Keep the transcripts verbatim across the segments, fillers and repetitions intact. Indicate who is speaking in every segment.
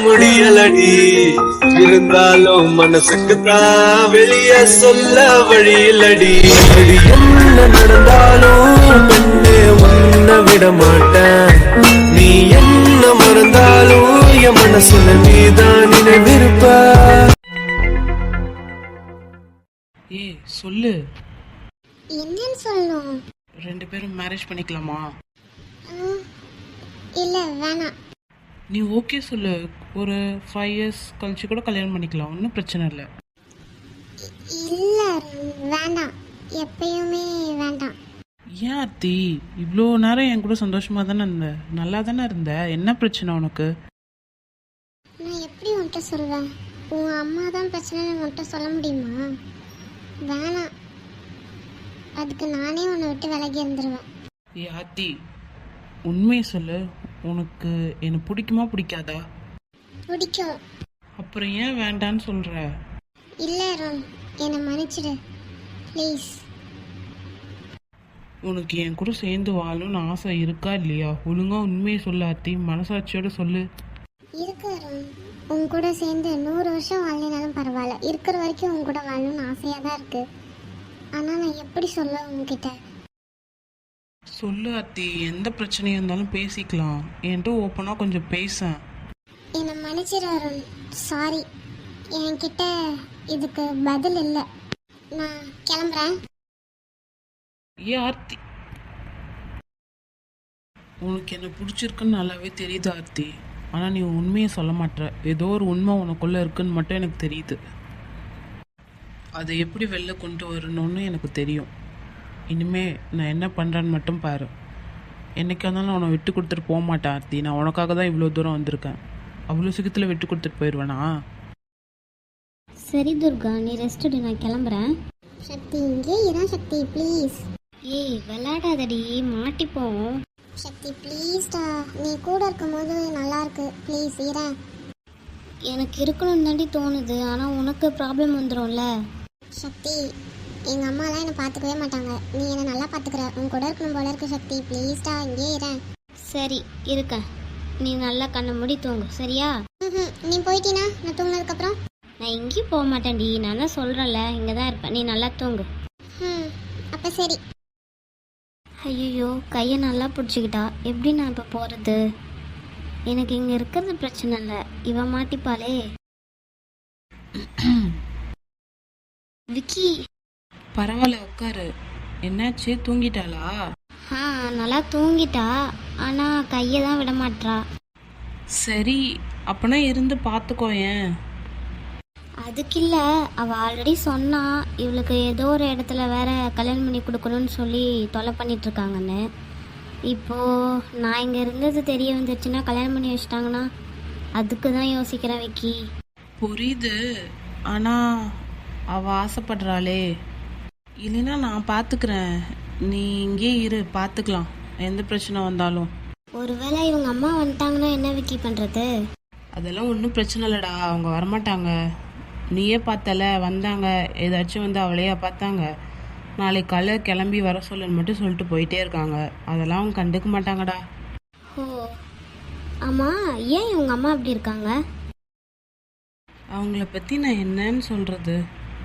Speaker 1: முடியலடி. இருந்தாலும் மனசுக்கு தான் வெளிய சொல்ல வழி இல்லடி. என்ன நடந்தாலும் பெண்ணே உன்னை விட மாட்டேன். நீ என்ன மறந்தாலும் என் மனசுல நீதான் நினைவிருப்ப.
Speaker 2: ஏ சொல்லு,
Speaker 3: என்னன்னு சொல்லணும்?
Speaker 2: ரெண்டு பேரும் மேரேஜ் பண்ணிக்கலாமா?
Speaker 3: இல்ல வேணாம்.
Speaker 2: நீ ஓகே சொல்லு, ஒரு ஃபைவ் இயர்ஸ் கழிச்சு கூட கல்யாணம் பண்ணிக்கலாம், ஒன்றும் பிரச்சனை இல்லை.
Speaker 3: இல்ல வேண்டாம், எப்பயுமே வேண்டாம்.
Speaker 2: ஏன் ஆர்த்தி, இவ்வளோ நேரம் என் கூட சந்தோஷமாக தானே இருந்த, நல்லா தானே இருந்த, என்ன பிரச்சனை உனக்கு?
Speaker 3: நான் எப்படி உன்கிட்ட சொல்வேன்? உன் அம்மா தான் பிரச்சனைன்னு உன்கிட்ட சொல்ல முடியுமா? வேணாம், அதுக்கு நானே உன்னை விட்டு விலகி இருந்துருவேன்.
Speaker 2: ஏ ஆர்த்தி, உண்மையை சொல்லு, உனக்கு என்னை பிடிக்குமா பிடிக்காதா?
Speaker 3: பிடிக்கும்.
Speaker 2: அப்புறம் ஏன் வேண்டான்னு சொல்கிற?
Speaker 3: இல்லை அருண், என்னை மன்னிச்சிடு ப்ளீஸ்.
Speaker 2: உனக்கு என் கூட சேர்ந்து வாழணும்னு ஆசை இருக்கா இல்லையா? ஒழுங்கா உண்மையை சொல்லு ஆர்த்தி, மனசாட்சியோட சொல்லு.
Speaker 3: இருக்கு அருண், உன் கூட சேர்ந்து நூறு வருஷம் வாழலினாலும் பரவாயில்ல, இருக்கிற வரைக்கும் உன் கூட வாழணும்னு ஆசையாக தான் இருக்கு. ஆனால் நான் எப்படி சொல்ல உங்ககிட்ட?
Speaker 2: சொல்லு ஆர்த்தி, எந்த பிரச்சனையாக இருந்தாலும் பேசிக்கலாம், என்கிட்ட ஓப்பனாக கொஞ்சம் பேசேன்.
Speaker 3: என்னை மன்னிச்சிடு அருண், சாரி, என்கிட்ட இதுக்கு பதில் இல்லை, நான் கிளம்புறேன்.
Speaker 2: ஏ ஆர்த்தி, உனக்கு என்ன பிடிச்சிருக்குன்னு நல்லாவே தெரியுது ஆர்த்தி, ஆனால் நீ உண்மையை சொல்ல மாட்டேற. ஏதோ ஒரு உண்மை உனக்குள்ளே இருக்குன்னு மட்டும் எனக்கு தெரியுது. அதை எப்படி வெளில கொண்டு வரணும்னு எனக்கு தெரியும். இனிமே நான் என்ன பண்ணுறேன்னு மட்டும் பாரு. என்னைக்கா இருந்தாலும் உன்னை விட்டு கொடுத்துட்டு போக மாட்டேன் ஆர்த்தி. நான் உனக்காக தான் இவ்வளோ தூரம் வந்திருக்கேன். அவ்வளோ சீக்கிரத்தில் விட்டு கொடுத்துட்டு போயிடுவேனா?
Speaker 4: சரி துர்கா, நீ ரெஸ்ட் எடு, நான் கிளம்புறேன்.
Speaker 3: சக்தி, இங்கே இதான் சக்தி ப்ளீஸ்.
Speaker 4: ஏய் விளையாடாதடி, மாட்டிப்போம்.
Speaker 3: சக்தி ப்ளீஸ்டா, நீ கூட இருக்கும்போது நல்லா இருக்கு, ப்ளீஸ் இரேன்.
Speaker 4: எனக்கு இருக்கணும்னு தாண்டி தோணுது, ஆனால் உனக்கு ப்ராப்ளம் வந்துடும்ல.
Speaker 3: சக்தி, எங்கள் அம்மாலாம் என்னை பார்த்துக்கவே மாட்டாங்க, நீ என்னை நல்லா பார்த்துக்கிற, உன் கூட இருக்கணும் போல இருக்கு சக்தி, ப்ளீஸ்டா இங்கே இரேன்.
Speaker 4: சரி இருக்க, நீ நல்லா கண்ணை மூடி தூங்கு, சரியா?
Speaker 3: ம் நீ போயிட்டீனா நான் தூங்கினதுக்கப்புறம்?
Speaker 4: நான் எங்கேயும் போக மாட்டேன்டி, நான் தான் சொல்கிறேன்ல, இங்கே தான் இருப்பேன், நீ நல்லா தூங்கு.
Speaker 3: ம் அப்போ சரி.
Speaker 4: ஐயோ, கையை நல்லா பிடிச்சிக்கிட்டா, எப்படி நான் இப்போ போகிறது? எனக்கு இங்கே இருக்கிறது பிரச்சனை இல்லை, இவன் மாட்டிப்பாளே. விக்கி,
Speaker 2: பரவாயில்ல, உட்காரு. என்னாச்சு, தூங்கிட்டாளா?
Speaker 4: ஆ நல்லா தூங்கிட்டா, ஆனால் கையை தான் விட மாட்றா.
Speaker 2: சரி, அப்பனா இருந்து பார்த்துக்கோ. ஏன்?
Speaker 4: அதுக்கு இல்லை, அவள் ஆல்ரெடி சொன்னா இவளுக்கு ஏதோ ஒரு இடத்துல வேற கல்யாணம் பண்ணி கொடுக்கணும்னு சொல்லி தொலை பண்ணிகிட்ருக்காங்கன்னு. இப்போது நான் இங்கே இருந்தது தெரிய வந்துருச்சுன்னா, கல்யாணம் பண்ணி வச்சிட்டாங்கன்னா, அதுக்கு தான் யோசிக்கிறேன் விக்கி.
Speaker 2: புரியுது, ஆனால் அவள் ஆசைப்படுறாளே. இல்லைன்னா நான் பார்த்துக்கிறேன், நீ இங்கே இரு, பார்த்துக்கலாம் எந்த பிரச்சனை வந்தாலும்.
Speaker 4: ஒருவேளை இவங்க அம்மா வந்துட்டாங்கன்னா என்ன விக்கி பண்ணுறது?
Speaker 2: அதெல்லாம் ஒன்றும் பிரச்சனை இல்லைடா, அவங்க வரமாட்டாங்க. நீயே பார்த்தல, வந்தாங்க, ஏதாச்சும் வந்து அவளையா பார்த்தாங்க. நாளைக்கு காலை கிளம்பி வர சொல்லுன்னு மட்டும் சொல்லிட்டு போயிட்டே இருக்காங்க. அதெல்லாம் அவங்க கண்டுக்க மாட்டாங்கடா.
Speaker 4: ஓ ஆமாம், ஏன் இவங்க அம்மா அப்படி இருக்காங்க?
Speaker 2: அவங்கள பற்றி நான் என்னன்னு சொல்கிறது?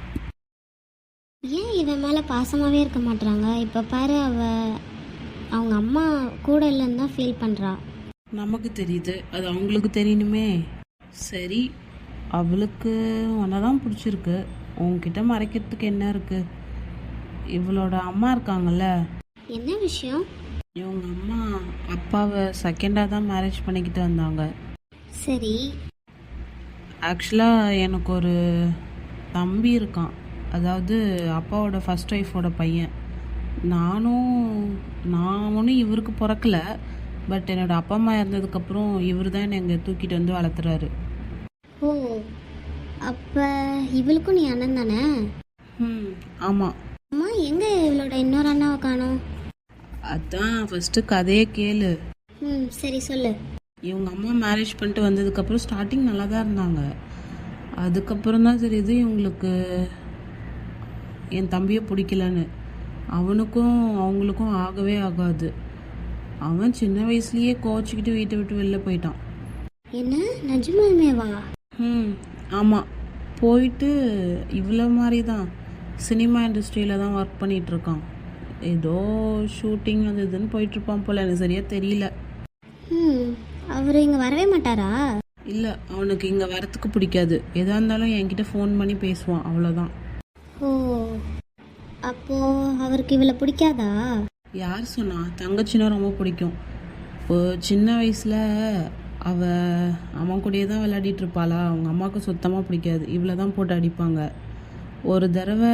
Speaker 4: ஏன் இவன் மேலே பாசமாகவே இருக்க மாட்றாங்க? இப்போ பாரு, அவ அவங்க அம்மா கூட இல்லைன்னு தான் ஃபீல் பண்ணுறா.
Speaker 2: நமக்கு தெரியுது, அது அவங்களுக்கு தெரியணுமே. சரி, அவளுக்கு உன்னை தான் பிடிச்சிருக்கு, உன்கிட்ட மறைக்கிறதுக்கு என்ன இருக்குது? இவளோட அம்மா இருக்காங்கல்ல.
Speaker 4: என்ன விஷயம்?
Speaker 2: இவங்க அம்மா அப்பாவை செகண்டாக தான் மேரேஜ் பண்ணிக்கிட்டு வந்தாங்க.
Speaker 4: சரி.
Speaker 2: ஆக்சுவலாக எனக்கு ஒரு தம்பி இருக்கான், அதாவது அப்பாவோட ஃபர்ஸ்ட் ஒய்ஃபோட பையன். நானும் நான் ஒன்றும் இவருக்கு பிறக்கல, பட் என்னோடய அப்பா அம்மா இருந்ததுக்கப்புறம் இவர் தான் என்னை இங்கே தூக்கிட்டு வந்து வளர்த்துறாரு.
Speaker 4: ஓ, அப்போ இவளுக்கும் நீ அண்ணன் தானே?
Speaker 2: ம் ஆமாம்.
Speaker 4: அம்மா, எங்கே இவளோட இன்னொரு அண்ணாவை காணோம்?
Speaker 2: அதான் ஃபஸ்ட்டு கதையே கேளு.
Speaker 4: ம் சரி சொல்லு.
Speaker 2: இவங்க அம்மா மேரேஜ் பண்ணிட்டு வந்ததுக்கப்புறம் ஸ்டார்டிங் நல்லா தான் இருந்தாங்க. அதுக்கப்புறம் தான் தெரியுது இவங்களுக்கு என் தம்பியை பிடிக்கலன்னு. அவனுக்கும் அவங்களுக்கும் ஆகவே ஆகாது. அவன் சின்ன வயசுலேயே கோச்சிக்கிட்டு வீட்டை விட்டு வெளில போயிட்டான்.
Speaker 4: என்ன நிஜமாமேவா?
Speaker 2: ம் ஆமாம், போயிட்டு இவ்வளோ மாதிரி தான் சினிமா இண்டஸ்ட்ரியில் தான் ஒர்க் பண்ணிகிட்ருக்கான். ஏதோ ஷூட்டிங் அது இதுன்னு போயிட்டுருப்பான் போல், எனக்கு சரியாக தெரியல.
Speaker 4: ம் அவர் இங்கே வரவே மாட்டாரா?
Speaker 2: இல்லை, அவனுக்கு இங்கே வரத்துக்கு பிடிக்காது. எதாக இருந்தாலும் என்கிட்ட ஃபோன் பண்ணி பேசுவான், அவ்வளோதான்.
Speaker 4: ஓ, அப்போது அவருக்கு இவளை பிடிக்காதா?
Speaker 2: யார் சொன்னா? தங்கச்சின்னா ரொம்ப பிடிக்கும். இப்போ சின்ன வயசில் அவ அவன் கூடயே தான் விளையாடிட்டு இருப்பாளா, அவங்க அம்மாவுக்கு சுத்தமாக பிடிக்காது. இவளை தான் போட்டு அடிப்பாங்க. ஒரு தடவை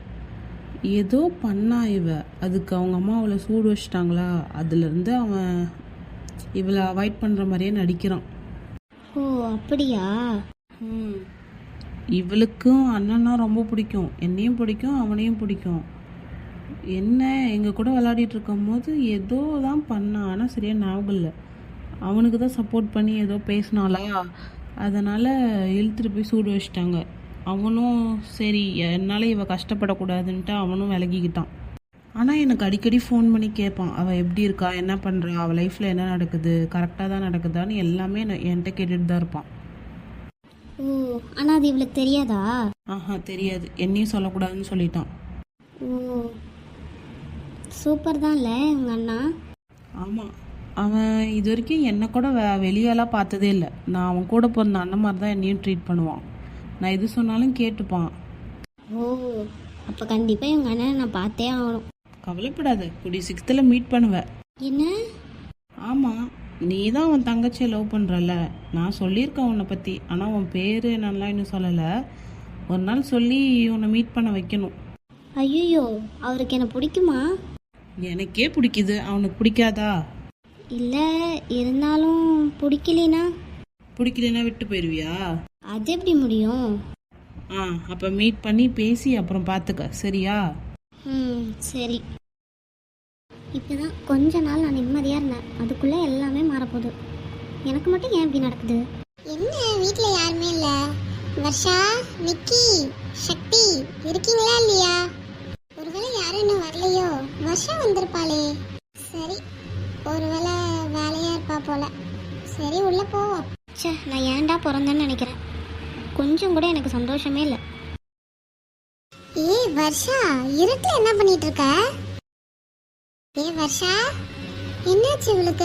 Speaker 2: ஏதோ பண்ணா இவ, அதுக்கு அவங்க அம்மா அவளை சூடு வச்சிட்டாங்களா, அதுலேருந்து அவன் இவளை அவாய்ட் பண்ணுற மாதிரியே நடிக்கிறான்.
Speaker 4: ஓ அப்படியா?
Speaker 2: ம் இவளுக்கும் அண்ணன்னா ரொம்ப பிடிக்கும், என்னையும் பிடிக்கும் அவனையும் பிடிக்கும். என்ன எங்கள் கூட விளையாடிட்டு இருக்கும் போது ஏதோ தான் பண்ணான், ஆனால் சரியாக ஞாபகம் இல்லை. அவனுக்கு தான் சப்போர்ட் பண்ணி ஏதோ பேசினாளா, அதனால் இழுத்துட்டு போய் சூடு வச்சிட்டாங்க. அவனும் சரி என்னால் இவ கஷ்டப்படக்கூடாதுன்ட்டு அவனும் விலகிக்கிட்டான். ஆனால் எனக்கு அடிக்கடி ஃபோன் பண்ணி கேட்பான், அவள் எப்படி இருக்கா, என்ன பண்ணுறா, அவள் லைஃப்பில் என்ன நடக்குது, கரெக்டாக தான் நடக்குதான்னு எல்லாமே நான் என்கிட்ட கேட்டுட்டு தான் இருப்பான்.
Speaker 4: ஓ, ஆனால் அது இவளுக்கு தெரியாதா?
Speaker 2: ஆஹா தெரியாது, என்னையும் சொல்லக்கூடாதுன்னு சொல்லிட்டான்.
Speaker 4: ஓ, சூப்பர் தான்ல உங்கள் அண்ணா.
Speaker 2: ஆமாம், அவன் இது வரைக்கும் என்னை கூட வெ வெளியெல்லாம் பார்த்ததே இல்லை. நான் அவன் கூட பிறந்த அண்ணன் மாதிரி தான் என்னையும் ட்ரீட் பண்ணுவான். நான் எது சொன்னாலும் கேட்டுப்பான்.
Speaker 4: ஓ, அப்போ கண்டிப்பாக உங்கள் அண்ணனை நான் பார்த்தே ஆகணும்.
Speaker 2: கவலைப்படாத, கூடிய சிக்ஸ்த்தில் மீட் பண்ணுவேன்.
Speaker 4: என்ன?
Speaker 2: ஆமாம், நீ தான் அவன் தங்கச்சியை லவ் பண்ணுறல, நான் சொல்லியிருக்கேன் உன்னை பற்றி. ஆனால் உன் பேர் என்னெல்லாம் இன்னும் சொல்லலை. ஒரு நாள் சொல்லி உன்னை மீட் பண்ண வைக்கணும்.
Speaker 4: ஐயோ, அவருக்கு என்ன பிடிக்குமா?
Speaker 2: எனக்கே பிடிக்குது, அவனுக்கு பிடிக்காதா?
Speaker 4: இல்லை, இருந்தாலும் பிடிக்கலைனா?
Speaker 2: பிடிக்கலன்னா விட்டு போயிடுவியா?
Speaker 4: அது எப்படி முடியும்?
Speaker 2: ஆ அப்போ மீட் பண்ணி பேசி அப்புறம் பார்த்துக்க, சரியா?
Speaker 4: ம் சரி. இப்போ தான் கொஞ்ச நாள் நான் நிம்மதியாக இருந்தேன், அதுக்குள்ளே எல்லாமே மாறப்போகுது. எனக்கு மட்டும் ஏன் இப்படி நடக்குது?
Speaker 3: என்ன வீட்டில் யாருமே இல்லை? வர்ஷா, நிக்கி, சக்தி இருக்கீங்களா இல்லையா? ஒருவேளை யாரும் இன்னும் வரலையோ? வர்ஷா வந்திருப்பாளே. சரி, ஒருவேளை வேலையாக இருப்பா போல. சரி உள்ள போவோம்.
Speaker 4: ச்சே, நான் ஏன்டா பிறந்தேன்னு நினைக்கிறேன். கொஞ்சம் கூட எனக்கு சந்தோஷமே இல்லை.
Speaker 3: ஏய் வர்ஷா, இருட்டில் என்ன பண்ணிட்டு இருக்க? ஏய் வர்ஷா, என்னாச்சு இவளுக்கு?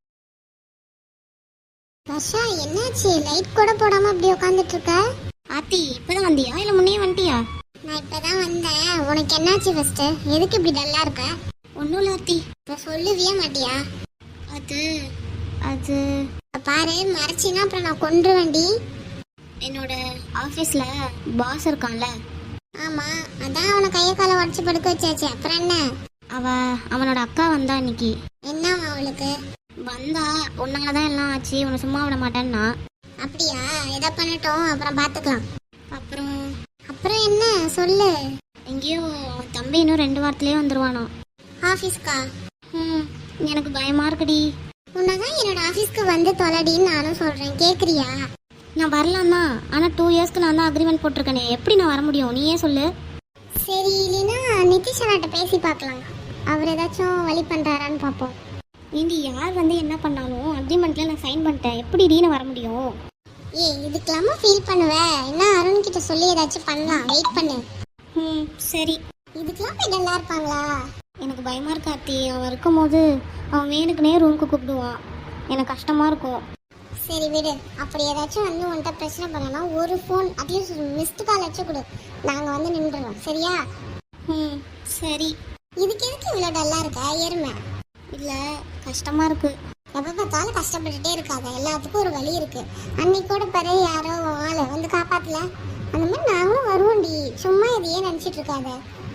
Speaker 3: வர்ஷா என்னாச்சு? லைட் கூட போடாம அப்படி உட்காந்துட்டு இருக்க?
Speaker 4: ஆத்தி, இப்போதான் வந்தியா இல்லை முன்னே வந்துட்டியா?
Speaker 3: நான் இப்பதான் வந்தேன். உனக்கு என்னாச்சு ஃபர்ஸ்ட்? எதுக்கு இப்படி டல்லா இருக்க?
Speaker 4: ஒன்றும் இல்லை ஆத்தி.
Speaker 3: இப்ப சொல்லவே மாட்டியா?
Speaker 4: அது அது
Speaker 3: பாரு, மறைச்சின்னா அப்புறம் நான் கொன்றுவேன்டி.
Speaker 4: என்னோட ஆஃபீஸில் பாஸ் இருக்கான்ல,
Speaker 3: ஆமா, அதான் அவனை கைய காலை உடச்சு படுக்க வச்சாச்சு. அப்புறம் என்ன?
Speaker 4: அவ அவனோட அக்கா வந்தா இன்னைக்கு.
Speaker 3: என்னவா அவளுக்கு?
Speaker 4: வந்தா உன்னால தான் எல்லாம் ஆச்சு, உன்னை சும்மா விட மாட்டேன்னா.
Speaker 3: அப்படியா? எதை பண்ணட்டும், அப்புறம் பாத்துக்கலாம்.
Speaker 4: அப்புறம்
Speaker 3: அப்புறம் என்ன சொல்லு.
Speaker 4: எங்கேயோ அவன் தம்பி இன்னும் ரெண்டு வாரத்துலேயே வந்துடுவானோ
Speaker 3: ஆஃபீஸ்க்கா?
Speaker 4: ம் எனக்கு பயமா இருக்குடி.
Speaker 3: உன்னதான் என்னோட ஆஃபீஸ்க்கு வந்து தொலைடின்னு நானும் சொல்றேன், கேக்குறியா?
Speaker 4: நான் வரலாம் தான், ஆனால் டூ இயர்ஸ்க்கு நான் தான் அக்ரிமெண்ட் போட்டிருக்கேனே, எப்படி நான் வர முடியும்? நீயே சொல்லு.
Speaker 3: சரி, இல்லைன்னா நிதிஷ் அண்ணாட்ட பேசி பார்க்கலாம். அவர் ஏதாச்சும் வழி பண்றாரான்னு பார்ப்போம்.
Speaker 4: நீண்டி யார் வந்து என்ன பண்ணாலும் அக்ரிமெண்ட்ல நான் சைன் பண்ணிட்டேன், எப்படி டீன வர முடியும்?
Speaker 3: ஏய், இதுக்கெல்லாமா ஃபீல் பண்ணுவ? என்ன அருண் கிட்ட சொல்லி ஏதாச்சும் பண்ணலாம், வெயிட் பண்ணு.
Speaker 4: ம் சரி.
Speaker 3: இதுக்கெல்லாம் போய் நல்லா இருப்பாங்களா?
Speaker 4: எனக்கு பயமா இருக்கு ஆத்தி. அவன் இருக்கும்போது அவன் வேணுக்குனே ரூமுக்கு கூப்பிடுவான், எனக்கு கஷ்டமா இருக்கும்.
Speaker 3: சரி விடு. அப்படி ஏதாச்சும் வந்து உன்கிட்ட பிரச்சனை பண்ணலாம், ஒரு ஃபோன் அட்லீஸ்ட் மிஸ்டு கால் வச்சு கொடு, நாங்கள் வந்து நின்றுடுறோம், சரியா?
Speaker 4: ம் சரி.
Speaker 3: இதுக்கு எதுக்கு இவ்வளோ டல்லாக இருக்க எருமை?
Speaker 4: இல்லை, கஷ்டமா இருக்கு.
Speaker 3: எப்போ பார்த்தாலும் கஷ்டப்பட்டுட்டே இருக்காத, எல்லாத்துக்கும் ஒரு வழி இருக்கு. அன்னைக்கு கூட பாரு, யாரோ ஆளை வந்து காப்பாற்றல, அந்த மாதிரி நாங்களும் வருவோம்டி. சும்மா இதையே நினச்சிட்டு இருக்காத.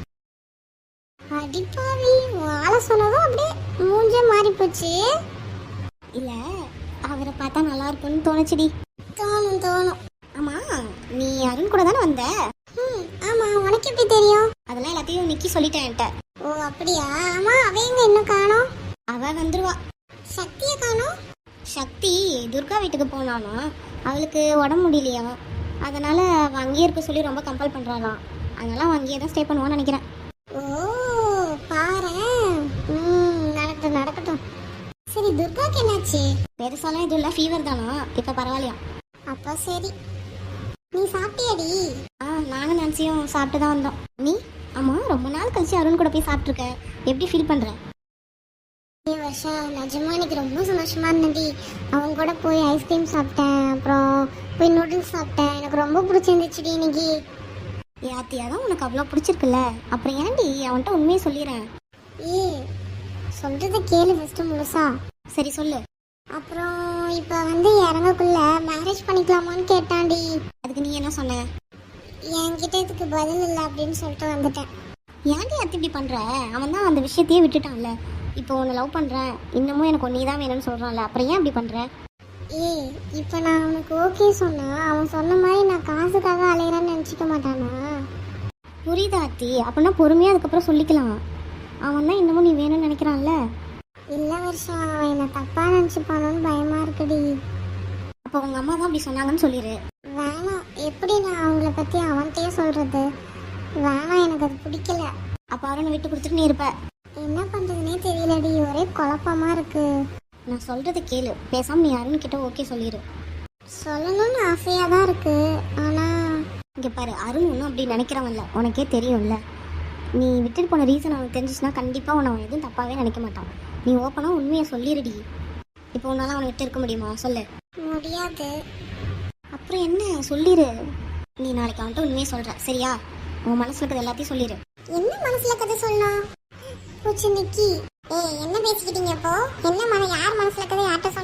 Speaker 3: அடிப்பாவி, ஆளை சொன்னதும் அப்படியே மூஞ்சே மாறி போச்சு.
Speaker 4: இல்லை, அவரை பார்த்தா நல்லா இருக்கும்னு தோணுச்சுடி.
Speaker 3: தோணும் தோணும்.
Speaker 4: ஆமா, நீ அருண் கூட தானே வந்த?
Speaker 3: ம் ஆமாம், உனக்கு எப்படி தெரியும்?
Speaker 4: அதெல்லாம் எல்லாத்தையும் நிக்கி சொல்லிட்டேன் என்கிட்ட.
Speaker 3: ஓ அப்படியா? ஆமாம், அவ எங்க இன்னும் காணோம்?
Speaker 4: அவ வந்துருவா.
Speaker 3: சக்தியை காணோம்?
Speaker 4: சக்தி துர்கா வீட்டுக்கு போனானா, அவளுக்கு உடம்பு முடியலையா, அதனால அவ அங்கேயே இருக்க சொல்லி ரொம்ப கம்பல் பண்றாளாம். அதனால அவன் அங்கேயே தான் ஸ்டே பண்ணுவான்னு நினைக்கிறேன்.
Speaker 3: ஓ பாரு. ம் நடக்கட்டும் நடக்கட்டும். சரி, துர்காக்கு என்னாச்சு?
Speaker 4: பெருசாலாம் எதுவும் இல்லை, ஃபீவர் தானா, இப்போ பரவாயில்லையா?
Speaker 3: அப்போ சரி. நீ சாப்பிட்டியாடி?
Speaker 4: ஆ, நானும் நான்சியும் சாப்பிட்டு தான் வந்தோம். நீ? ஆமாம், ரொம்ப நாள் கழிச்சு அருண் கூட போய் சாப்பிட்ருக்க, எப்படி ஃபீல் பண்ணுற?
Speaker 3: ஏ வர்ஷா, நிஜமா எனக்கு ரொம்ப சந்தோஷமா இருந்தடி. அவங்க கூட போய் ஐஸ்கிரீம் சாப்பிட்டேன், அப்புறம் போய் நூடுல்ஸ் சாப்பிட்டேன். எனக்கு ரொம்ப பிடிச்சிருந்துச்சுடி இன்னைக்கு.
Speaker 4: ஏ ஆத்தி, அதான் உனக்கு அவ்வளோ பிடிச்சிருக்குல்ல, அப்புறம் ஏன்டி அவன்கிட்ட உண்மையை சொல்லிடுறேன்.
Speaker 3: ஏ சொல்றத கேளு ஃபர்ஸ்ட் முழுசா.
Speaker 4: சரி சொல்லு.
Speaker 3: அப்புறம் இப்போ வந்து இறங்கக்குள்ள மேரேஜ் பண்ணிக்கலாமான்னு கேட்டான்டி.
Speaker 4: அதுக்கு நீ என்ன சொன்ன?
Speaker 3: என்கிட்ட இதுக்கு பதில் இல்லை அப்படின்னு சொல்லிட்டு வந்துட்டேன்.
Speaker 4: ஏன்டி அத்தி இப்படி பண்ணுற? அவன் தான் அந்த விஷயத்தையே விட்டுட்டான்ல. இப்போ உன்னை லவ் பண்ணுறேன், இன்னமும் எனக்கு நீ தான் வேணும்னு சொல்கிறான்ல, அப்புறம் ஏன் அப்படி பண்ணுற?
Speaker 3: ஏ இப்போ நான் அவனுக்கு ஓகே சொன்னா அவன் சொன்ன மாதிரி நான் காசுக்காக அலையிறேன்னு நினச்சிக்க மாட்டானா?
Speaker 4: புரியுதா அத்தி? அப்படின்னா பொறுமையாக அதுக்கப்புறம் சொல்லிக்கலாம். அவன் தான் இன்னமும் நீ வேணும்னு நினைக்கிறான்ல.
Speaker 3: இல்லை வருஷம், அவன் என்னை தப்பாக நினச்சிப்பானோன்னு பயமாக இருக்குடி.
Speaker 4: அப்போ உங்கள் அம்மா தான் அப்படி சொன்னாங்கன்னு சொல்லிடு.
Speaker 3: வேணாம், எப்படி நான் அவங்கள பற்றி அவன்கிட்டயே சொல்கிறது? வேணாம், எனக்கு அது பிடிக்கல.
Speaker 4: அப்போ அருணை விட்டு கொடுத்துட்டு நீ இருப்ப.
Speaker 3: என்ன பண்ணுறதுனே தெரியலடி, ஒரே குழப்பமாக இருக்கு.
Speaker 4: நான் சொல்கிறத கேளு, பேசாமல் நீ அருண் கிட்ட ஓகே சொல்லிடு.
Speaker 3: சொல்லணும்னு ஆசையாக தான் இருக்கு, ஆனால்
Speaker 4: இங்கே பாரு, அருண் ஒன்றும் அப்படி நினைக்கிறவன்ல, உனக்கே தெரியும்ல. நீ விட்டுட்டு போன ரீசன் அவனுக்கு தெரிஞ்சிச்சுன்னா கண்டிப்பாக உன்னை அவன் எதுவும் தப்பாகவே நினைக்க மாட்டான். நீ ஓப்பனாக உண்மையை சொல்லிடுடி. இப்போ உன்னால் அவனை விட்டு இருக்க முடியுமா சொல்லு?
Speaker 3: முடியாது.
Speaker 4: அப்புறம் என்ன, சொல்லிடு. நீ நாளைக்கு அவன்கிட்ட உண்மையை சொல்கிற சரியா? உன் மனசில் இருக்கிறது எல்லாத்தையும் சொல்லிடு.
Speaker 3: என்ன மனசுல கதை சொல்லலாம்? பூச்சி நிக்கி, ஏய் என்ன பேசிக்கிட்டீங்க இப்போ? என்ன மன யார் மனசுல கதை யார்கிட்ட